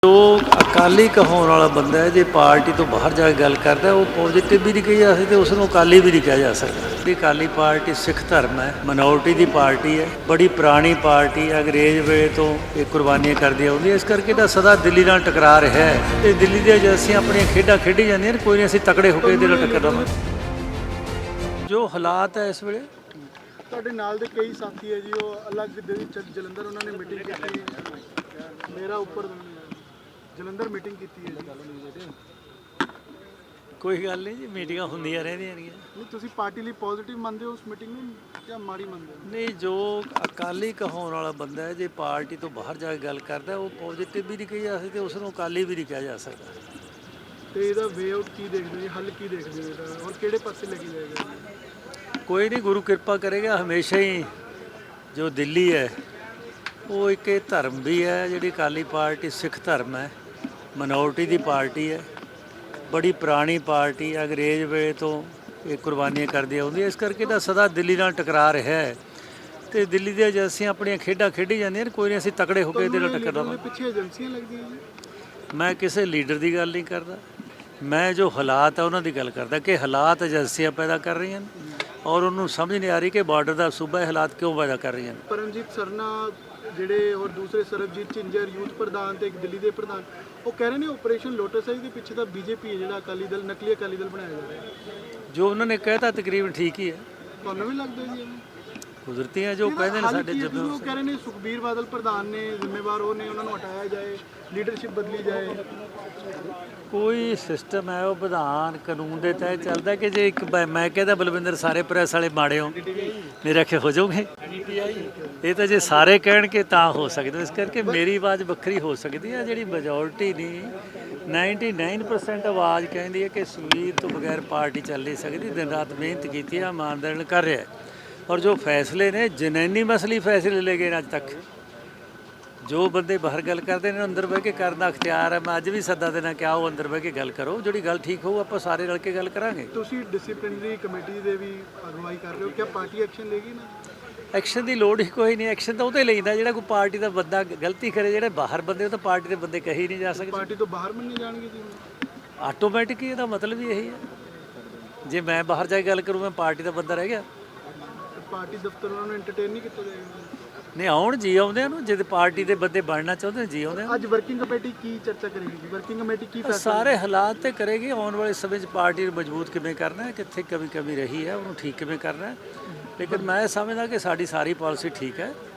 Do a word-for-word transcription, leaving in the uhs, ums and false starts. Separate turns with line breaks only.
ਜੋ ਅਕਾਲੀ ਕਹਾਉਣ ਵਾਲਾ ਬੰਦਾ ਹੈ, ਜੇ ਪਾਰਟੀ ਤੋਂ ਬਾਹਰ ਜਾ ਕੇ ਗੱਲ ਕਰਦਾ ਉਹ ਪੋਜ਼ਿਟਿਵ ਵੀ ਨਹੀਂ ਕਹੀ ਜਾ ਸਕਦੀ, ਉਸ ਨੂੰ ਅਕਾਲੀ ਵੀ ਨਹੀਂ ਕਿਹਾ ਜਾ ਸਕਦਾ। ਇਹ ਅਕਾਲੀ ਪਾਰਟੀ ਸਿੱਖ ਧਰਮ ਹੈ, ਮਨੋਰਟੀ ਦੀ ਪਾਰਟੀ ਹੈ, ਬੜੀ ਪੁਰਾਣੀ ਪਾਰਟੀ ਹੈ, ਅੰਗਰੇਜ਼ ਵੇਲੇ ਤੋਂ ਇਹ ਕੁਰਬਾਨੀਆਂ ਕਰਦੀ ਆਉਂਦੀ ਹੈ। ਇਸ ਕਰਕੇ ਤਾਂ ਸਦਾ ਦਿੱਲੀ ਨਾਲ ਟਕਰਾ ਰਿਹਾ ਹੈ ਤੇ ਦਿੱਲੀ ਦੇ ਏਜੰਸੀਆਂ ਆਪਣੀਆਂ ਖੇਡਾਂ ਖੇਡੀ ਜਾਂਦੀਆਂ ਨੇ, ਕੋਈ ਨਹੀਂ ਅਸੀਂ ਤਕੜੇ ਹੋ ਕੇ ਇਹਦੇ ਨਾਲ ਟੱਕਰ ਲਵਾਂਗੇ। ਜੋ ਹਾਲਾਤ ਹੈ ਇਸ ਵੇਲੇ
ਤੁਹਾਡੇ ਨਾਲ ਦੇ ਕਈ ਸਾਥੀ ਹੈ ਜੀ, ਉਹ ਅਲੱਗ ਦਿੱਲੀ ਜਲੰਧਰ ਉਹਨਾਂ ਨੇ ਮੀਟਿੰਗ ਕੀਤੀ, ਮੇਰਾ ਉੱਪਰ ਜਲੰਧਰ ਮੀਟਿੰਗ ਕੀਤੀ ਹੈ ਜੀ।
ਕੋਈ ਗੱਲ ਨਹੀਂ ਜੀ, ਮੀਟਿੰਗਾਂ ਹੁੰਦੀਆਂ ਰਹਿੰਦੀਆਂ ਨੇ।
ਨਹੀਂ ਤੁਸੀਂ ਪਾਰਟੀ ਲਈ ਪੋਜ਼ਿਟਿਵ ਮੰਨਦੇ ਹੋ ਉਸ ਮੀਟਿੰਗ ਨੂੰ ਜਾਂ ਮਾੜੀ ਮੰਨਦੇ ਹੋ?
ਨਹੀਂ, ਜੋ ਅਕਾਲੀ ਕਹਾਉਣ ਵਾਲਾ ਬੰਦਾ ਹੈ, ਜੇ ਪਾਰਟੀ ਤੋਂ ਬਾਹਰ ਜਾ ਕੇ ਗੱਲ ਕਰਦਾ ਉਹ ਪੋਜ਼ਿਟਿਵ ਵੀ ਨਹੀਂ ਕਹੀ ਜਾ ਸਕਦੀ, ਉਸ ਨੂੰ ਅਕਾਲੀ ਵੀ ਨਹੀਂ ਕਿਹਾ ਜਾ ਸਕਦਾ।
ਤੇ ਇਹਦਾ ਵੇ ਆਊਟ ਕੀ ਦੇਖਦੇ ਹੋ, ਹੱਲ ਕੀ ਦੇਖਦੇ ਹੋ ਇਹਦਾ, ਔਰ ਕਿਹੜੇ ਪਾਸੇ ਲੈ ਕੇ ਜਾਏਗਾ?
ਕੋਈ ਨਹੀਂ, ਗੁਰੂ ਕਿਰਪਾ ਕਰੇਗਾ। ਹਮੇਸ਼ਾ ਹੀ ਜੋ ਦਿੱਲੀ ਹੈ ਉਹ ਇੱਕ ਇਹ ਧਰਮ ਵੀ ਹੈ, ਜਿਹੜੀ ਅਕਾਲੀ ਪਾਰਟੀ ਸਿੱਖ ਧਰਮ ਹੈ, ਮਨੋਰਟੀ ਦੀ ਪਾਰਟੀ ਹੈ, ਬੜੀ ਪੁਰਾਣੀ ਪਾਰਟੀ ਹੈ, ਅੰਗਰੇਜ਼ ਵੇਲੇ ਤੋਂ ਇਹ ਕੁਰਬਾਨੀਆਂ ਕਰਦੀ ਆਉਂਦੀ ਹੈ। ਇਸ ਕਰਕੇ ਤਾਂ ਸਦਾ ਦਿੱਲੀ ਨਾਲ ਟਕਰਾ ਰਿਹਾ ਹੈ ਤੇ ਦਿੱਲੀ ਦੀਆਂ ਏਜੰਸੀਆਂ ਆਪਣੀਆਂ ਖੇਡਾਂ ਖੇਡੀ ਜਾਂਦੀਆਂ ਨੇ, ਕੋਈ ਨਹੀਂ ਅਸੀਂ ਤਕੜੇ ਹੋ ਕੇ ਇਹਦੇ ਨਾਲ ਟੱਕਰ ਲਵਾਂਗੇ।
ਪਿੱਛੇ ਏਜੰਸੀਆਂ ਲੱਗਦੀਆਂ ਜੀ।
ਮੈਂ ਕਿਸੇ ਲੀਡਰ ਦੀ ਗੱਲ ਨਹੀਂ ਕਰਦਾ, ਮੈਂ ਜੋ ਹਾਲਾਤ ਹੈ ਉਹਨਾਂ ਦੀ ਗੱਲ ਕਰਦਾ ਕਿ ਹਾਲਾਤ ਏਜੰਸੀਆਂ ਪੈਦਾ ਕਰ ਰਹੀਆਂ ਨੇ ਔਰ ਉਹਨੂੰ ਸਮਝ ਨਹੀਂ ਆ ਰਹੀ ਕਿ ਬਾਰਡਰ ਦਾ ਸੂਬਾ ਹਾਲਾਤ ਕਿਉਂ ਪੈਦਾ ਕਰ ਰਹੀਆਂ ਨੇ।
ਪਰਮਜੀਤ ਸਰਨਾ ਜਿਹੜੇ ਔਰ ਦੂਸਰੇ ਸਰਬਜੀਤ ਝਿੰਜਰ ਯੂਥ ਪ੍ਰਧਾਨ ਤੇ ਇੱਕ ਦਿੱਲੀ ਦੇ ਪ੍ਰਧਾਨ, ਉਹ ਕਹਿ ਰਹੇ ਨੇ ਆਪਰੇਸ਼ਨ ਲੋਟਸ ਆਈ ਦੇ ਪਿੱਛੇ ਤਾਂ ਬੀਜੇਪੀ ਹੈ, ਜਿਹੜਾ ਅਕਾਲੀ ਦਲ ਨਕਲੀ ਅਕਾਲੀ ਦਲ ਬਣਾਇਆ ਜਾ ਰਿਹਾ ਹੈ।
ਜੋ ਉਹਨਾਂ ਨੇ ਕਹਿਤਾ ਤਕਰੀਬਨ ਠੀਕ ਹੀ ਹੈ।
ਤੁਹਾਨੂੰ ਵੀ ਲੱਗਦਾ ਜੀ?
ਕੁਦਰਤੀ ਹੈ ਜੋ ਕਹਿੰਦੇ ਨੇ ਸਾਡੇ ਜਦੋਂ
ਉਹ ਕਹਿ ਰਹੇ ਨੇ ਸੁਖਬੀਰ ਬਾਦਲ ਪ੍ਰਧਾਨ ਨੇ ਜ਼ਿੰਮੇਵਾਰ, ਉਹ ਨੇ ਉਹਨਾਂ ਨੂੰ ਹਟਾਇਆ ਜਾਏ, ਲੀਡਰਸ਼ਿਪ ਬਦਲੀ ਜਾਏ।
ਕੋਈ ਸਿਸਟਮ ਹੈ ਉਹ ਵਿਧਾਨ ਕਾਨੂੰਨ ਦੇ ਤਹਿਤ ਚੱਲਦਾ ਕਿ ਜੇ ਇੱਕ ਮੈਂ ਕਹਿੰਦਾ ਬਲਵਿੰਦਰ ਸਾਰੇ ਪ੍ਰੈਸ ਵਾਲੇ ਮਾੜੇ ਹੋ ਮੇਰਾ ਕਿ ਹੋ ਜਾਓਗੇ, ਇਹ ਤਾਂ ਜੇ ਸਾਰੇ ਕਹਿਣਗੇ ਤਾਂ ਹੋ ਸਕਦਾ। ਇਸ ਕਰਕੇ ਮੇਰੀ ਆਵਾਜ਼ ਵੱਖਰੀ ਹੋ ਸਕਦੀ ਹੈ, ਜਿਹੜੀ ਮੈਜੋਰਟੀ ਨਹੀਂ ਨਿन्यानवे परसेंट ਆਵਾਜ਼ ਕਹਿੰਦੀ ਹੈ ਕਿ ਸੁਖਬੀਰ ਤੋਂ ਬਗੈਰ ਪਾਰਟੀ ਚੱਲ ਨਹੀਂ ਸਕਦੀ। ਦਿਨ ਰਾਤ ਮਿਹਨਤ ਕੀਤੀ ਹੈ, ਇਮਾਨਦਾਰੀ ਨਾਲ ਕਰ ਰਿਹਾ ਔਰ ਜੋ ਫੈਸਲੇ ਨੇ ਜਨੈਨੀ ਮਸਲੀ ਫੈਸਲੇ ਲੈ ਗਏ ਅੱਜ ਤੱਕ। ਜੋ ਬੰਦੇ ਬਾਹਰ ਗੱਲ ਕਰਦੇ ਨੇ ਅੰਦਰ ਬਹਿ ਕੇ ਕਰਨ ਦਾ ਅਖਤਿਆਰ ਹੈ। ਮੈਂ ਅੱਜ ਵੀ ਸੱਦਾ ਦੇਣਾ ਕਿ ਆਓ ਅੰਦਰ ਬਹਿ ਕੇ ਗੱਲ ਕਰੋ, ਜਿਹੜੀ ਗੱਲ ਠੀਕ ਹੋਊ ਆਪਾਂ ਸਾਰੇ ਰਲ ਕੇ ਗੱਲ ਕਰਾਂਗੇ।
ਤੁਸੀਂ ਡਿਸਪਲਿਨਰੀ ਕਮੇਟੀ ਦੇ ਵੀ ਅਗਵਾਈ ਕਰ ਰਹੇ ਹੋ, ਕਿਆ ਪਾਰਟੀ ਐਕਸ਼ਨ ਲੇਗੀ ਨਾ?
ਐਕਸ਼ਨ ਦੀ ਲੋੜ ਹੀ ਕੋਈ ਨਹੀਂ, ਐਕਸ਼ਨ ਤਾਂ ਉਹਦੇ ਲੈਂਦਾ ਜਿਹੜਾ ਕੋਈ ਪਾਰਟੀ ਦਾ ਬੰਦਾ ਗਲਤੀ ਕਰੇ। ਜਿਹੜੇ ਬਾਹਰ ਬੰਦੇ ਉਹ ਤਾਂ ਪਾਰਟੀ ਦੇ ਬੰਦੇ ਕਹੀ ਨਹੀਂ ਜਾ ਸਕਦੇ।
ਪਾਰਟੀ ਤੋਂ ਬਾਹਰ ਮੰਨੇ ਜਾਣਗੇ ਜੀ
ਆਟੋਮੈਟਿਕ, ਇਹਦਾ ਮਤਲਬ ਹੀ ਇਹੀ ਹੈ। ਜੇ ਮੈਂ ਬਾਹਰ ਜਾ ਕੇ ਗੱਲ ਕਰੂੰ ਮੈਂ ਪਾਰਟੀ ਦਾ ਬੰਦਾ ਰਹਿ ਗਿਆ।
ਪਾਰਟੀ ਦਫ਼ਤਰ ਉਹਨਾਂ ਨੂੰ ਐਂਟਰਟੇਨ ਨਹੀਂ ਕੀਤਾ ਜਾਏਗਾ?
ਨਹੀਂ, ਆਉਣ ਜੀ ਆਉਂਦੇ ਨੂੰ, ਜੇ ਪਾਰਟੀ ਦੇ ਬੰਦੇ ਬਣਨਾ ਚਾਹੁੰਦੇ ਨੇ ਜੀ ਆਉਂਦੇ।
ਅੱਜ ਵਰਕਿੰਗ ਕਮੇਟੀ ਕੀ ਚਰਚਾ ਕਰੇਗੀ ਜੀ? ਵਰਕਿੰਗ ਕਮੇਟੀ ਕੀ ਫੈਸਲਾ?
ਸਾਰੇ ਹਾਲਾਤ ਤੇ ਕਰੇਗੀ। ਆਉਣ ਵਾਲੇ ਸਮੇਂ 'ਚ ਪਾਰਟੀ ਨੂੰ ਮਜ਼ਬੂਤ ਕਿਵੇਂ ਕਰਨਾ ਹੈ, ਕਿੱਥੇ ਕਮੀ ਕਮੀ ਰਹੀ ਹੈ ਉਹਨੂੰ ਠੀਕ ਕਿਵੇਂ ਕਰਨਾ ਹੈ। ਲੇਕਿਨ ਮੈਂ ਸਮਝਦਾ ਕਿ ਸਾਡੀ ਸਾਰੀ ਪਾਲਿਸੀ ਠੀਕ ਹੈ।